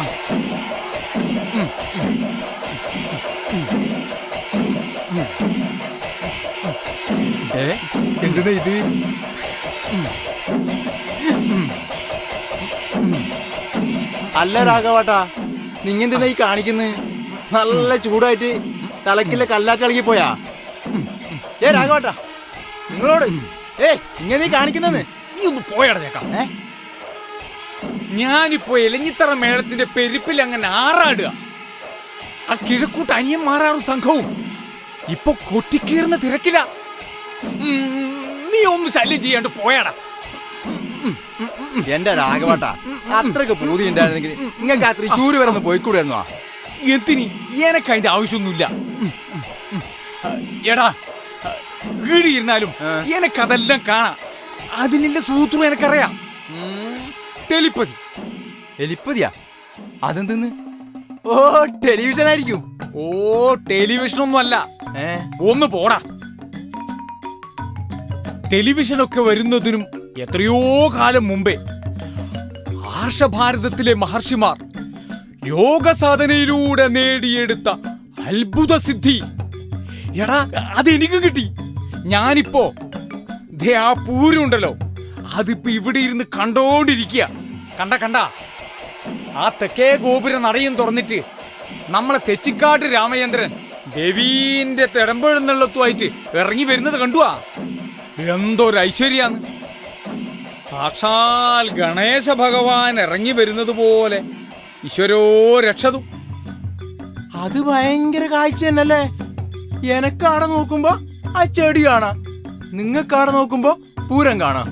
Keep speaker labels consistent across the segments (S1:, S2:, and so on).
S1: എന്തിനാ ഇത്? അല്ല രാഘവാട്ടാ, നിങ്ങെന്തിനാ ഈ കാണിക്കുന്നത്? നല്ല ചൂടായിട്ട് തലക്കിലെ കല്ലാറ്റിളകി പോയാ? രാഘവാട്ടാ, നിങ്ങളോട് ഇങ്ങനെ കാണിക്കുന്നെന്ന്
S2: നീ ഒന്ന് പോയടച്ചേക്കാം. ഞാനിപ്പോ എലഞ്ഞിത്തറ മേളത്തിന്റെ പെരുപ്പിൽ അങ്ങനെ ആറാടുക. ആ കിഴക്കൂട്ട് അനിയന്മാരാറും സംഘവും ഇപ്പൊ കൊട്ടിക്കീറുന്ന തിരക്കില. നീ ഒന്ന് ശല്യം ചെയ്യാണ്ട് പോയാടാ.
S1: എന്റെ രാഘവാട്ടാ, അത്രക്ക് പൂതി ഉണ്ടായിരുന്നെങ്കിൽ നിങ്ങൾക്ക് ആ തൃശ്ശൂര് വരെ ഒന്ന് പോയിക്കൂടായിരുന്നോ?
S2: എന്തിനി? എനക്ക് അതിന്റെ ആവശ്യമൊന്നുമില്ല. എടാ, വീടിയിരുന്നാലും എനക്കതെല്ലാം കാണാം. അതിനുള്ള സൂത്രം എനക്കറിയാം. ടെലിപ്പതി.
S1: എലിപ്പതിയാ? അതെന്തെന്ന്? ഓ, ടെലിവിഷൻ ആയിരിക്കും.
S2: ഓ, ടെലിവിഷൻ ഒന്നും അല്ല. ഒന്ന് പോടാ. ടെലിവിഷനൊക്കെ വരുന്നതിനും എത്രയോ കാലം മുമ്പേ ആർഷഭാരതത്തിലെ മഹർഷിമാർ യോഗ സാധനയിലൂടെ നേടിയെടുത്ത അത്ഭുത സിദ്ധി. എടാ, അതെനിക്ക് കിട്ടി. ഞാനിപ്പോ ആ പൂരമുണ്ടല്ലോ, അതിപ്പോ ഇവിടെ ഇരുന്ന് കണ്ടോണ്ടിരിക്കുക. കണ്ട ആ തെക്കേ ഗോപുര നടയും തുറന്നിട്ട് നമ്മളെ തെച്ചിക്കാട്ട് രാമചന്ദ്രൻ ദേവീന്റെ തിടമ്പെഴുന്നള്ളത്തുമായിട്ട് ഇറങ്ങി വരുന്നത് കണ്ടുവാ. എന്തൊരു ഐശ്വര്യാന്ന്! സാക്ഷാൽ ഗണേശ ഭഗവാൻ ഇറങ്ങി വരുന്നത് പോലെ. ഈശ്വരോ രക്ഷതു.
S1: അത് ഭയങ്കര കാഴ്ച തന്നെയല്ലേ? എനക്കാടെ നോക്കുമ്പോ ആ ചെടി കാണാം, നിങ്ങൾക്കാടെ നോക്കുമ്പോ പൂരം കാണാം.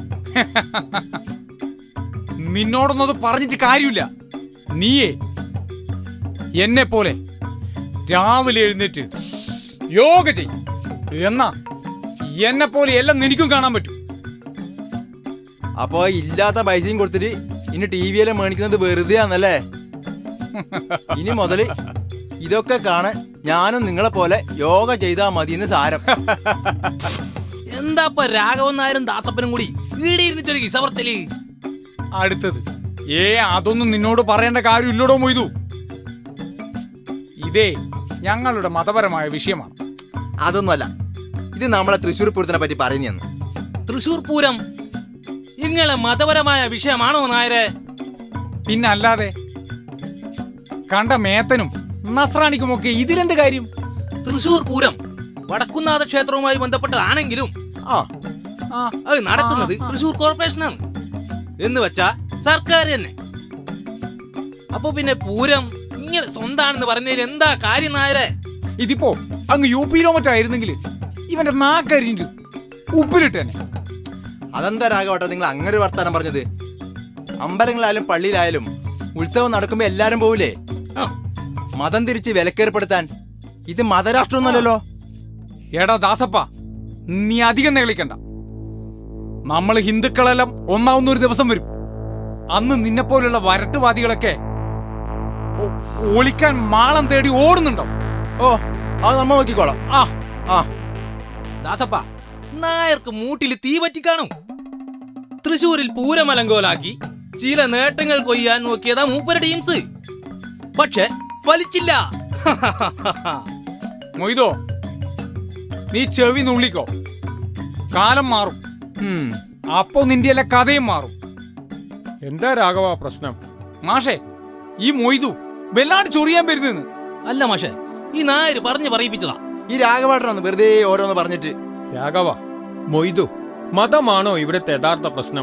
S2: നിന്നോടൊന്നും അത് പറഞ്ഞിട്ട് കാര്യമില്ല. നീയേ എന്നെ പോലെ രാവിലെ എഴുന്നേറ്റ് യോഗ ചെയ്യും. എന്നാ എന്നെ പോലെ എല്ലാം നിനക്കും കാണാൻ പറ്റും.
S1: അപ്പൊ ഇല്ലാത്ത പൈസയും കൊടുത്തിട്ട് ഇനി ടി വിയിലെ മേടിക്കുന്നത് വെറുതെ ആണല്ലേ? ഇനി മുതല് ഇതൊക്കെ കാണാൻ ഞാനും നിങ്ങളെ പോലെ യോഗ ചെയ്താ മതിയെന്ന് സാരം.
S3: എന്താ രാഘവൻ നായരും ദാസപ്പനും കൂടി വീട് ഇരുന്നിട്ടൊരു കിസവർത്തല്?
S2: അടുത്തത് അതൊന്നും നിന്നോട് പറയേണ്ട കാര്യമില്ലടോ മൊയ്തു. ഇതേ ഞങ്ങളുടെ മതപരമായ വിഷയമാണ്.
S1: അതൊന്നുമല്ല, ഇത് നമ്മളെ തൃശ്ശൂർ പൂരത്തിനെ പറ്റി പറയുന്നു.
S3: തൃശ്ശൂർ പൂരം നിങ്ങളെ മതപരമായ വിഷയമാണോ നായരെ?
S2: പിന്നല്ലാതെ. കണ്ട മേത്തനും നസ്രാണിക്കുമൊക്കെ ഇതിലെന്ത് കാര്യം?
S3: തൃശ്ശൂർ പൂരം വടക്കുന്നാഥ ക്ഷേത്രവുമായി ബന്ധപ്പെട്ടതാണെങ്കിലും അത് നടത്തുന്നത് തൃശ്ശൂർ കോർപ്പറേഷനാണ്. എന്ന് വെച്ചാ സർക്കാർ തന്നെ. അപ്പൊ പിന്നെ പൂരം ഇങ്ങനെ സ്വന്താണെന്ന് പറഞ്ഞതിൽ എന്താ കാര്യം നായരെ?
S2: ഇതിപ്പോ അങ്ങ് UP-യിലോ മറ്റായിരുന്നെങ്കിൽ ഇവന്റെ നാക്കരിഞ്ഞു ഉപ്പിലിട്ടന്നെ.
S1: അതെന്താ രാഘവട്ടെ നിങ്ങൾ അങ്ങനെ ഒരു വർത്താനം പറഞ്ഞത്? അമ്പലങ്ങളായാലും പള്ളിയിലായാലും ഉത്സവം നടക്കുമ്പോ എല്ലാരും പോവില്ലേ? മതം തിരിച്ച് വിലക്കേർപ്പെടുത്താൻ ഇത് മതരാഷ്ട്രമൊന്നുമല്ലല്ലോ.
S2: എടാ ദാസപ്പ, നീ അധികം നെളിക്കണ്ട. നമ്മൾ ഹിന്ദുക്കളെല്ലാം ഒന്നാവുന്ന ഒരു ദിവസം വരും. അന്ന് നിന്നെപ്പോലുള്ള വരട്ടുവാദികളൊക്കെ ഒളിക്കാൻ മാളം തേടി ഓടുന്നുണ്ടോ?
S1: ഓ, അത് നമ്മ നോക്കിക്കോളാം.
S3: ദാസപ്പ, നായർക്ക് മൂട്ടിൽ തീ പറ്റി കാണും. തൃശ്ശൂരിൽ പൂരമലങ്കോലാക്കി ചില നേട്ടങ്ങൾ കൊയ്യാൻ നോക്കിയതാ മൂപ്പരുടെ ടീംസ്. പക്ഷെ ഫലിച്ചില്ല.
S2: മൊയ്തോ, നീ ചെവി നുള്ളിക്കോ. കാലം മാറും. അപ്പോ നിന്റെ എല്ലാ കഥയും മാറും. എന്താ രാഘവ പ്രശ്നം? മാഷേ, ഈ മൊയ്തു വല്ലാണ്ട് ചൊറിയാൻ വരുന്നെന്ന്.
S3: അല്ല മാഷേ, ഈ നായര് പറഞ്ഞു പറയിപ്പിച്ചതാ.
S1: ഈ രാഘവേട്ടനാണ് വെറുതെ ഓരോന്ന് പറഞ്ഞിട്ട്.
S4: രാഘവ, മൊയ്തു, മതമാണോ ഇവിടുത്തെ യഥാർത്ഥ പ്രശ്നം?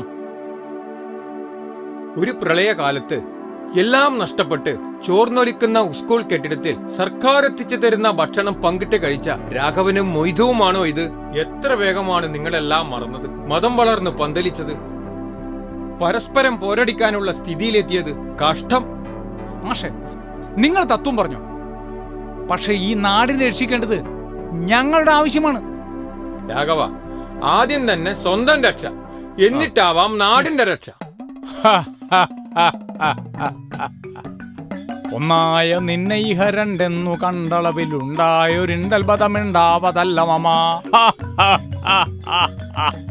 S4: ഒരു പ്രളയകാലത്ത് എല്ലാം നഷ്ടപ്പെട്ട് ചോർന്നൊലിക്കുന്ന സ്കൂൾ കെട്ടിടത്തിൽ സർക്കാർ എത്തിച്ചു തരുന്ന ഭക്ഷണം പങ്കിട്ട് കഴിച്ച രാഘവനും മൊയ്തുവുമാണോ ഇത്? എത്ര വേഗമാണ് നിങ്ങളെല്ലാം മറന്നത്, മതം വളർന്ന് പന്തലിച്ചത്, പരസ്പരം പോരടിക്കാനുള്ള സ്ഥിതിയിലെത്തിയത്? കഷ്ടം.
S2: മാഷെ, നിങ്ങൾ തത്വം പറഞ്ഞു. പക്ഷെ ഈ നാടിനെ രക്ഷിക്കേണ്ടത് ഞങ്ങളുടെ ആവശ്യമാണ്.
S4: രാഘവ, ആദ്യം തന്നെ സ്വന്തം രക്ഷ, എന്നിട്ടാവാം നാടിന്റെ രക്ഷ.
S2: ഒന്നായ നിന്നെ ഇഹ രണ്ടെന്നു കണ്ടളവിലുണ്ടായൊരിണ്ടൽബതമുണ്ടാവതല്ല മമാ.